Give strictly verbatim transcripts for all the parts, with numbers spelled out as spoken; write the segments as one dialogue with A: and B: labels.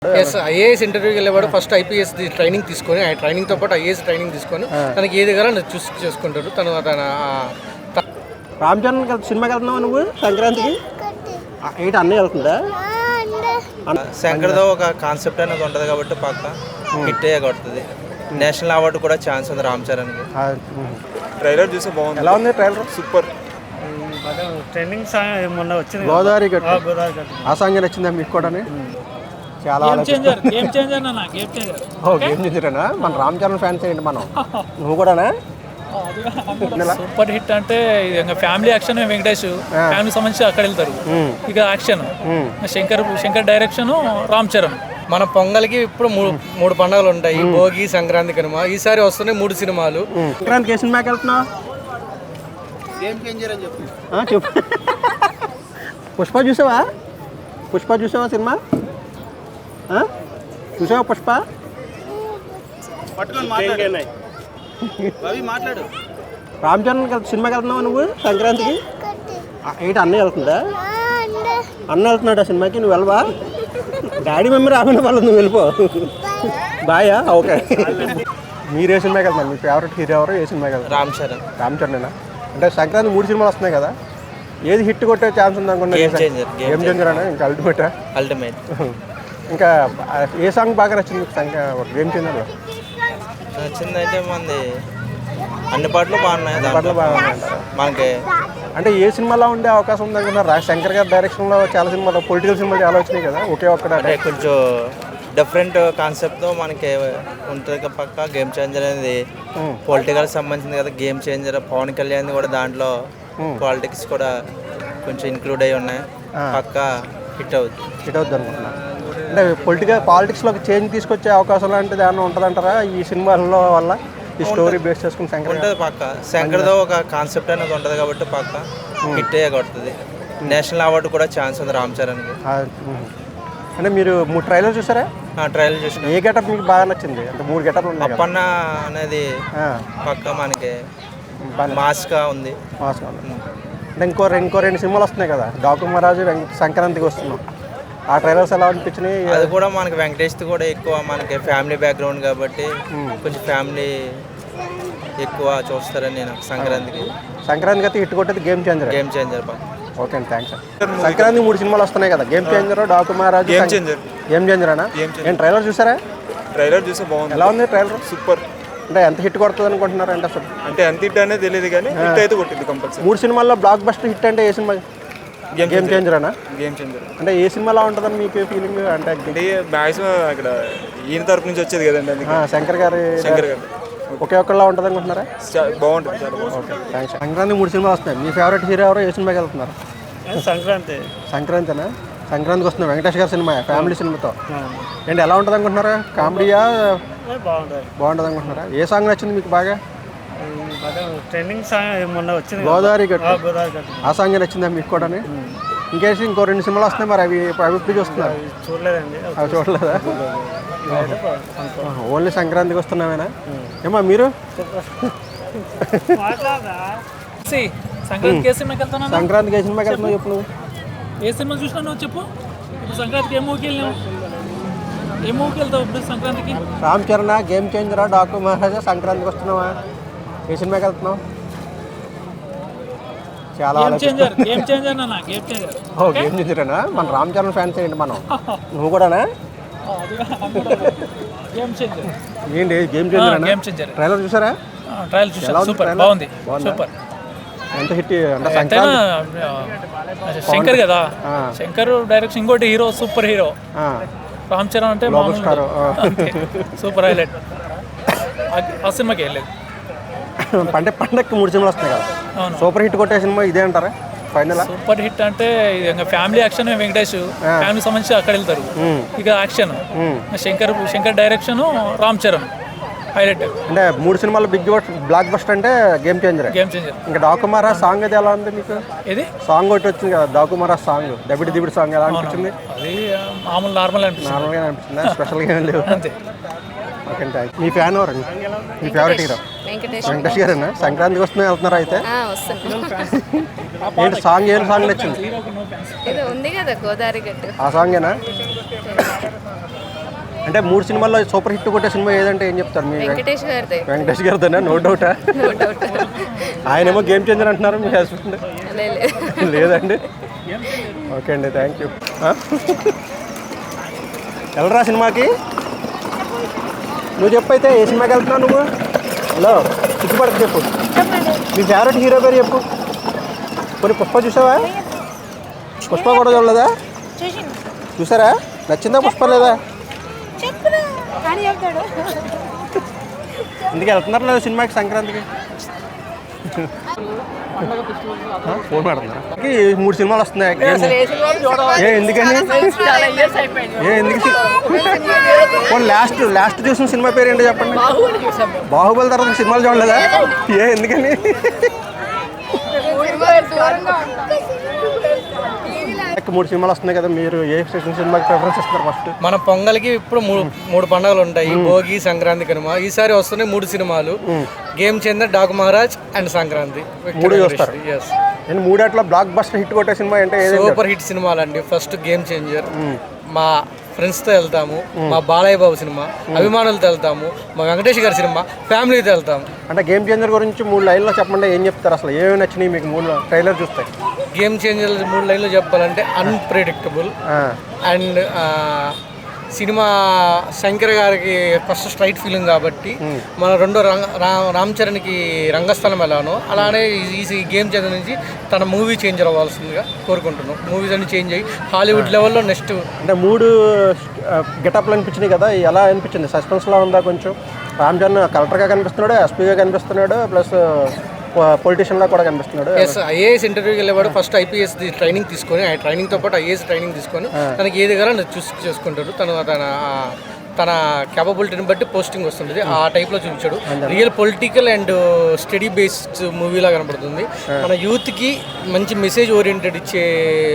A: Yes IAS ఇంటర్వ్యూకి వెళ్ళేవాడు first IPS training తీసుకొని ఆ ట్రైనింగ్తో పాటు ఐఏఎస్ ట్రైనింగ్ తీసుకొని తనకి ఏది కావాలో చూస్ చేసుకుంటాడు తను తన
B: రామ్ చరణ్ సినిమాకి వెళ్తున్నావు నువ్వు సంక్రాంతికి ఏంటి అన్నీ వెళ్తుందా
C: శంకర్తో ఒక కాన్సెప్ట్ అనేది ఉంటుంది కాబట్టి పక్క హిట్ అయ్యే కొడుతుంది. నేషనల్ అవార్డు కూడా ఛాన్స్ ఉంది రామ్ చరణ్కి.
D: ట్రైలర్ చూస్తే బాగుంది.
B: ఎలా ఉంది ట్రైలర్? సూపర్.
E: ట్రెండింగ్ సాంగ్ మొన్న వచ్చింది
B: గోదావరి గట్టు. ఆ సాంగ్ నచ్చిందా మీకు కూడా? చాలా
E: గేమ్ చేంజర్ గేమ్ చేంజర్ నా గేమ్ చేంజర్
B: ఓ గేమ్ చేంజరేనా? మన రామ్ చరణ్ ఫ్యాన్స్ ఏంటి మనం? నువ్వు కూడానా?
E: సూపర్ హిట్ అంటే ఫ్యామిలీ యాక్షన్ వెంకటేష్ ఫ్యామిలీ సంబంధించి అక్కడ వెళ్తారు. ఇక యాక్షన్ శంకర్ శంకర్ డైరెక్షన్ రామ్ చరణ్.
A: మన పొంగల్కి ఇప్పుడు మూడు మూడు పండుగలు ఉంటాయి, భోగి సంక్రాంతి కనుమ. ఈసారి వస్తున్నాయి మూడు సినిమాలు.
B: సంక్రాంతికి ఏ సినిమాకి వెళ్తున్నావు? చెప్పు. పుష్ప చూసావా? పుష్ప చూసావా సినిమా? చూసావా పుష్ప? రామ్ చరణ్ సినిమాకి వెళ్తున్నావా నువ్వు సంక్రాంతికి? ఏంటి అన్నీ వెళ్తుందా? అన్న వెళ్తున్నాడు ఆ సినిమాకి, నువ్వు వెళ్ళవా? డాడీ మమ్మీ రాకుండా వాళ్ళు నువ్వు వెళ్ళిపో. బాయా? ఓకే. మీరు ఏ సినిమాకి వెళ్తున్నారు? మీ ఫేవరెట్ హీరో ఎవరు? ఏ సినిమాకి వెళ్తారు?
C: రామ్ చరణ్.
B: రామ్ చరణేనా? అంటే సంక్రాంతి మూడు సినిమాలు వస్తున్నాయి కదా, ఏది హిట్ కొట్టే ఛాన్స్ ఉంది అనుకున్నా?
C: Game changer.
B: గేమ్ చేంజర్ అనే ఇంకా అల్టిమేట్
C: అల్టిమేట్.
B: ఇంకా ఏ సాంగ్ బాగా నచ్చింది గేమ్ చేంజర్లో?
C: నచ్చిందంటే మనది అన్ని పాటలు బాగున్నాయి.
B: పాటలు బాగున్నాయి
C: మనకి.
B: అంటే ఏ సినిమాలో ఉండే అవకాశం ఉంది అనుకున్నా? శంకర్ గారి డైరెక్షన్లో చాలా సినిమాలు, పొలిటికల్ సినిమాలు చాలా వచ్చినాయి కదా, ఒకే ఒక్కడ
C: అంటే కొంచెం డిఫరెంట్ కాన్సెప్ట్తో మనకి ఉంటుంది పక్క. గేమ్ చేంజర్ అనేది పొలిటికల్ సంబంధించింది కదా. గేమ్ చేంజర్ పవన్ కళ్యాణ్ కూడా దాంట్లో పాలిటిక్స్ కూడా కొంచెం ఇంక్లూడ్ అయి ఉన్నాయి. పక్క హిట్ అవుతుంది.
B: హిట్ అవుతుంది అనుకుంటున్నా. అంటే పొలిటికల్ పాలిటిక్స్లోకి చేంజ్ తీసుకొచ్చే అవకాశం లాంటిది ఏమన్నా ఉంటుందంటారా ఈ సినిమాల్లో వల్ల? ఈ స్టోరీ బేస్ చేసుకుని శంకర్
C: ఉంటుంది పక్క. శంకర్తో ఒక కాన్సెప్ట్ అనేది ఉంటుంది కాబట్టి పక్క హిట్ అయ్యే కొడుతుంది. నేషనల్ అవార్డు కూడా ఛాన్స్ ఉంది రామ్ చరణ్కి.
B: అంటే మీరు మూడు ట్రైలర్ చూసారా?
C: ట్రైలర్ చూసిన.
B: ఏ గెటప్ మీకు బాగా నచ్చింది? అంటే మూడు గెటప్లు ఉన్నాయి.
C: అప్పన్న అనేది పక్క మనకి మాస్గా ఉంది.
B: మాస్గా ఉంది. అంటే ఇంకో ఇంకో రెండు సినిమాలు వస్తున్నాయి కదా, డాకుమరాజు సంక్రాంతికి వస్తున్నాం. ఆ ట్రైలర్స్ ఎలా అనిపించినాయి?
C: అది కూడా మనకి వెంకటేష్ది కూడా ఎక్కువ మనకి ఫ్యామిలీ బ్యాక్గ్రౌండ్ కాబట్టి కొంచెం ఫ్యామిలీ ఎక్కువ చూస్తారని నేను సంక్రాంతికి.
B: సంక్రాంతికి అయితే హిట్ కొట్టేది గేమ్ చేంజర్.
C: గేమ్ చేంజర్ పక్క.
B: ఓకే అండి, థ్యాంక్స్. సంక్రాంతి మూడు సినిమాలు వస్తున్నాయి కదా, గేమ్ చేంజర్, డాకుమరాజు,
D: గేమ్ చేంజర్.
B: గేమ్ చేంజర్ అనా? నేను ట్రైలర్ చూసారా?
D: ట్రైలర్ చూస్తే బాగుంది.
B: ఎలా ఉంది ట్రైలర్?
D: సూపర్.
B: అంటే ఎంత హిట్ కొడుతుంది అనుకుంటున్నారు? అంటే అసలు
D: అంటే ఎంత హిట్ అనేది తెలియదు కానీ హిట్ అయితే కొట్టింది కంపల్సరీ.
B: మూడు సినిమాల్లో బ్లాక్ బస్టర్ హిట్ అంటే ఏ సినిమా? గేమ్ చేంజర్ అనా?
D: Game Changer.
B: అంటే ఏ సినిమాలో ఉంటుందని మీకు ఫీలింగ్? అంటే
D: అంటే మ్యాక్సిమం అక్కడ ఈయన తరపు నుంచి వచ్చేది కదండి,
B: శంకర్ గారి
D: శంకర్ గారు
B: ఒకే ఒక్కలా ఉంటుంది అనుకుంటున్నారా?
D: బాగుంటుంది, చాలా బాగుంటుంది.
B: Okay, thanks. సంక్రాంతి మూడు సినిమాలు వస్తున్నాయి. మీ ఫేవరెట్ హీరో ఎవరు? ఏ సినిమాకి వెళ్తున్నారు?
E: సంక్రాంతి.
B: సంక్రాంతినా? సంక్రాంతికి వస్తుంది వెంకటేష్ గారి సినిమా, ఫ్యామిలీ సినిమాతో. ఏంటి ఎలా ఉంటుంది అనుకుంటున్నారా? కామెడీయా?
E: బాగుంటుంది.
B: బాగుంటుంది అనుకుంటున్నారా? ఏ సాంగ్ నచ్చింది మీకు బాగా?
E: ట్రెండింగ్ సాంగ్ మొన్న వచ్చింది
B: గోదావరి గట్టు.
E: గోదావరి గట్టు.
B: ఆ సాంగ్ నచ్చిందా మీకు కూడా? ఇంకేసి ఇంకో రెండు సినిమాలు వస్తున్నాయి, మరి అవి అవి ఇప్పుడు చూస్తున్నారు?
E: చూడలేదండి.
B: అవి చూడలేదా? ఓన్లీ సంక్రాంతికి వస్తున్నామేనా? ఏమా మీరు?
E: సంక్రాంతికి ఏ సినిమాకి వెళ్తున్నా?
B: సంక్రాంతికి ఏ సినిమాకి వెళ్తున్నావు చెప్పు నువ్వు?
E: ఏ సినిమా చూసినా నువ్వు చెప్పు. ఇప్పుడు సంక్రాంతికి ఏ మూవీకి వెళ్ళావు? ఏ మూవీకి వెళ్తావు ఇప్పుడు సంక్రాంతికి?
B: రామ్ చరణ్, గేమ్ చేంజరా, డాకు మహారాజా? సంక్రాంతికి వస్తున్నావా? ఏ సినిమాకి వెళ్తున్నావు? చాలా
E: గేమ్ చేంజర్. గేమ్ చేంజర్ నా గేమ్ చేంజర్.
B: ఓ గేమ్ చేంజరేనా? మన రామ్ చరణ్ ఫ్యాన్స్ ఏంటి మనం? నువ్వు కూడానా?
E: Game Changer.
B: ఏంటి Game changer?
E: Game Changer
B: trailer చూసారా?
E: ట్రైలర్ చూసాను. సూపర్ బాగుంది. సూపర్.
B: ఎంత హిట్ అంటే సంక్రాంతి.
E: శంకర్ కదా, శంకర్ డైరెక్షన్. ఇంకోటి hero super hero Ram Charan అంటే
B: స్టార్.
E: Super highlight. ఆ సినిమాకి వెళ్ళలేదు.
B: అంటే పండగకి మూడు సినిమాలు వస్తున్నాయి కదా, సూపర్ హిట్ కొట్టే సినిమా ఇదే అంటారా ఫైనల్?
E: సూపర్ హిట్ అంటే ఫ్యామిలీ యాక్షన్ వెంకటేష్ ఫ్యామిలీ సంబంధించి అక్కడ వెళ్తారు. ఇక action Shankar Shankar direction Ram Charan highlight.
B: అంటే మూడు సినిమాలు బిగ్ బ్లాక్ బస్టర్ అంటే గేమ్ చేంజర్.
E: Game Changer.
B: ఇంకా డాకుమారా సాంగ్ అది ఎలా ఉంది మీకు?
E: ఇది
B: సాంగ్ ఒకటి వచ్చింది కదా, డాకుమారా సాంగ్, దబిడి దిబిడి సాంగ్ ఎలా అనిపించింది?
E: అది మామూలు నార్మల్ అనిపిస్తుంది.
B: నార్మల్గా అనిపిస్తుందా? స్పెషల్గా ఏం లేవు.
E: అంతే.
B: Okay thank. మీ ఫ్యాన్ ఎవరండి? మీ ఫేవరెట్ హీరో? వెంకటేష్ గారేనా? సంక్రాంతికి వస్తున్నా వెళ్తున్నారా అయితే? ఏంటి సాంగ్? ఏం సాంగ్ నచ్చింది?
F: ఉంది కదా గోదావరి గట్టు.
B: ఆ సాంగేనా? అంటే మూడు సినిమాల్లో సూపర్ హిట్ కొట్టే సినిమా ఏదంటే ఏం చెప్తారు మీ
F: వెంకటేష్ గారిదే.
B: వెంకటేష్ గారిదేనా? నో డౌటా?
F: No doubt.
B: ఆయనేమో గేమ్ చేంజర్ అంటున్నారు, మీ హస్బెండ్
F: లే లే.
B: లేదండి. ఓకే అండి, థ్యాంక్ యూ. వెళ్ళరా సినిమాకి? నువ్వు చెప్పు అయితే ఏ సినిమాకి వెళ్తున్నావు నువ్వు? హలో, సిగ్గుపడకు చెప్పు. మీ ఫేవరెట్ హీరో పేరు చెప్పు. కొన్ని పుష్ప చూసావా? పుష్ప కూడా చూడలేదా? చూసారా? నచ్చిందా పుష్ప లేదా? ఇందుకు వెళ్తున్నారు లేదా సినిమాకి సంక్రాంతికి? ఫోన్ మాడుతున్నారా? మూడు సినిమాలు వస్తున్నాయి. ఏ ఎందుకని? ఏ ఎందుకు? లాస్ట్ లాస్ట్ చూసిన సినిమా పేరు ఏంటో చెప్పండి. బాహుబలి తర్వాత సినిమాలు చూడలేదా? ఏ ఎందుకని? మూడు సినిమాలు వస్తున్నాయి కదా, మీరు ఏ సినిమాకి ప్రిఫరెన్స్ ఇస్తారు ఫస్ట్?
A: మన పొంగల్కి ఇప్పుడు మూడు మూడు పండుగలు ఉంటాయి, భోగి, సంక్రాంతి, కనుమ. ఈసారి వస్తున్నాయి మూడు సినిమాలు, Game Changer, Daaku Maharaj and Sankranti.
B: మూడు చూస్తారు. నేను మూడేట్లో బ్లాక్ బస్టర్ హిట్ కొట్టే సినిమా అంటే
A: సూపర్ హిట్ సినిమాలు అండి. ఫస్ట్ గేమ్ చేంజర్, మా ఫ్రెండ్స్తో వెళ్తాము. మా బాలయ్య బాబు సినిమా అభిమానులతో వెళ్తాము. మా వెంకటేష్ గారి సినిమా ఫ్యామిలీతో వెళ్తాము.
B: అంటే గేమ్ చేంజర్ గురించి మూడు లైన్లో చెప్పండి, ఏం చెప్తారు? అసలు ఏమేమి నచ్చినాయి మీకు మూడు ట్రైలర్ చూస్తే?
A: గేమ్ చేంజర్ మూడు లైన్లో చెప్పాలంటే అన్ప్రెడిక్టబుల్ అండ్ సినిమా శంకర్ గారికి ఫస్ట్ స్ట్రైట్ ఫీలింగ్ కాబట్టి మన రెండో రంగ రామ్ చరణ్కి రంగస్థలం ఎలానో అలానే ఈ గేమ్ చేంజర్ నుంచి తన మూవీ చేంజర్ అవ్వాల్సిందిగా కోరుకుంటున్నాం. మూవీస్ అన్ని చేంజ్ అయ్యి హాలీవుడ్ లెవెల్లో నెక్స్ట్.
B: అంటే మూడు గెటప్లు అనిపించినాయి కదా, ఎలా అనిపించింది? సస్పెన్స్లా ఉందా కొంచెం? రామ్ చరణ్ కలెక్టర్గా కనిపిస్తున్నాడు, ఎస్పీగా కనిపిస్తున్నాడు, ప్లస్ పొలిటీషియన్లా కూడా కనిపిస్తున్నాడు.
A: ఎస్, ఐఏఎస్ ఇంటర్వ్యూకి వెళ్ళేవాడు ఫస్ట్ ఐపీఎస్ ట్రైనింగ్ తీసుకొని, ఆ ట్రైనింగ్తో పాటు ఐఏఎస్ ట్రైనింగ్ తీసుకొని తనకి ఏది కావాలో చూస్ చేసుకుంటాడు. తను తన తన క్యాపబిలిటీని బట్టి పోస్టింగ్ వస్తుంటుంది. ఆ టైప్లో చూపించాడు. Real political and study based మూవీలా కనపడుతుంది. మన యూత్కి మంచి మెసేజ్ ఓరియంటెడ్ ఇచ్చే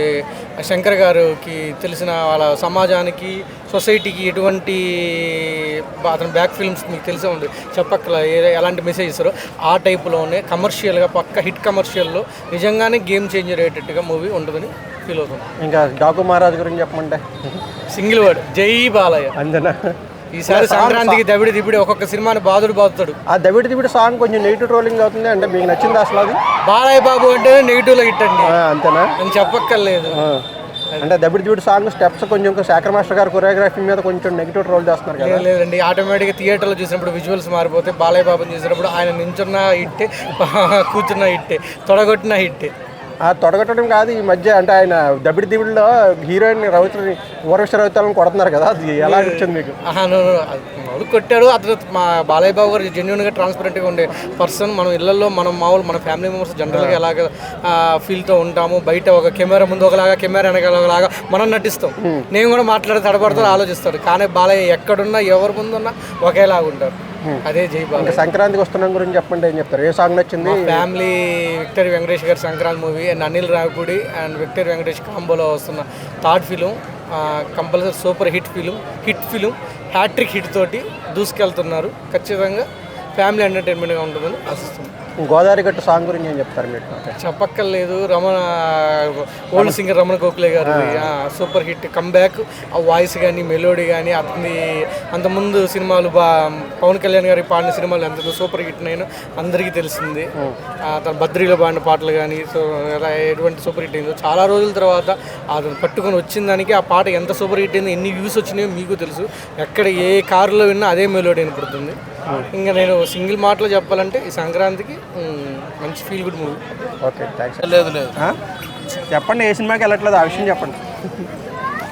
A: శంకర్ గారికి తెలిసిన వాళ్ళ సమాజానికి, సొసైటీకి ఎటువంటి అతని బ్యాక్ ఫిల్మ్స్ మీకు తెలిసే ఉంది, చెప్పక్కల ఎలాంటి మెసేజ్ ఇస్తారో ఆ టైప్లోనే కమర్షియల్గా పక్క హిట్ కమర్షియల్లో నిజంగానే గేమ్ చేంజర్ అయ్యేటట్టుగా మూవీ ఉంటుందని ఫీల్ అవుతుంది.
B: ఇంకా డాకు మహారాజ్ గురించి చెప్పమంటే
A: సింగిల్ వర్డ్, జై బాలయ్య.
B: అంతేనా?
A: ఈసారి సంక్రాంతికి దవిడి దిబిడి ఒక్కొక్క సినిమాని బాధుడు బాదుతాడు.
B: ఆ దవిడి దిబిడి సాంగ్ కొంచెం నెగిటివ్ ట్రోలింగ్ అవుతుంది, అంటే మీకు నచ్చింది అసలు అది?
A: బాలయ్య బాబు అంటే నెగిటివ్లో హిట్ అండి.
B: అంతేనా?
A: నేను చెప్పక్కర్లేదు.
B: అంటే దబిడి దిబిడి సాంగ్ స్టెప్స్ కొంచెం శేఖర్ మాస్టర్ గారు కొరియోగ్రఫీ మీద కొంచెం నెగిటివ్ ట్రోల్ చేస్తున్నారు కదా?
A: లేదండి, ఆటోమేటిక్గా థియేటర్లో చూసినప్పుడు విజువల్స్ మారిపోతే బాలయ్య బాబుని చూసినప్పుడు ఆయన నించున్న హిట్టే, కూర్చున్న హిట్టే, తొడగొట్టిన హిట్టే.
B: ఆ తొడగొట్టడం కాదు, ఈ మధ్య అంటే ఆయన దబిడి దిబిడిలో హీరోయిన్ రవిత్రని ఊర్వశ రవితలను కొడుతున్నారు కదా, అది ఎలా అనిపించింది మీకు?
A: మామూలు కొట్టాడు అతను. మా బాలయ్య బాబు గారు జెన్యున్గా ట్రాన్స్పరెంట్గా ఉండే పర్సన్. మనం ఇళ్లలో మనం మామూలు మన ఫ్యామిలీ మెంబర్స్ జనరల్గా ఎలాగ ఫీల్తో ఉంటాము, బయట ఒక కెమెరా ముందు ఒకలాగా, కెమెరా వెనకాల ఒకలాగా మనం నటిస్తాం. నేను కూడా మాట్లాడి తడబడతాడు, ఆలోచిస్తాడు. కానీ బాలయ్య ఎక్కడున్నా ఎవరి ముందున్నా ఒకేలాగా ఉంటారు. అదే జై బాలయ్య.
B: సంక్రాంతికి వస్తున్నాం గురించి చెప్పండి, ఏం చెప్తారు? ఏ సాంగ్ నచ్చింది?
A: ఫ్యామిలీ విక్టరీ వెంకటేష్ గారి Sankranti movie and Anil Ravipudi and victory Venkatesh కాంబోలో వస్తున్న third film compulsory super hit film hit film hat trick hit తోటి దూసుకెళ్తున్నారు. ఖచ్చితంగా ఫ్యామిలీ ఎంటర్టైన్మెంట్గా ఉంటుందని ఆశిస్తున్నాను.
B: గోదావరి గట్టు సాంగ్ గురించి ఏం చెప్తారు మీరు?
A: చెప్పక్కర్లేదు, రమణ ఓల్డ్ సింగర్ రమణ గోఖలే గారు సూపర్ హిట్ కంబ్యాక్. ఆ వాయిస్ కానీ మెలోడీ కానీ అతని అంతకుముందు సినిమాలు బా పవన్ కళ్యాణ్ గారి పాడిన సినిమాలు ఎంత సూపర్ హిట్ అయినా అందరికీ తెలిసింది. తన బద్రీలో పాడిన పాటలు కానీ సో ఎటువంటి సూపర్ హిట్ అయిందో, చాలా రోజుల తర్వాత అతను పట్టుకొని వచ్చిన దానికి ఆ పాట ఎంత సూపర్ హిట్ అయిందో, ఎన్ని వ్యూస్ వచ్చినాయో మీకు తెలుసు. ఎక్కడ ఏ కారులో విన్నా అదే మెలోడీ వినపడుతుంది. ఇంకా నేను సింగిల్ మాటలో చెప్పాలంటే ఈ సంక్రాంతికి మంచి feel good movie.
B: Okay, thanks.
A: లేదు లేదు
B: చెప్పండి, ఏ సినిమాకి వెళ్ళట్లేదు ఆ విషయం చెప్పండి.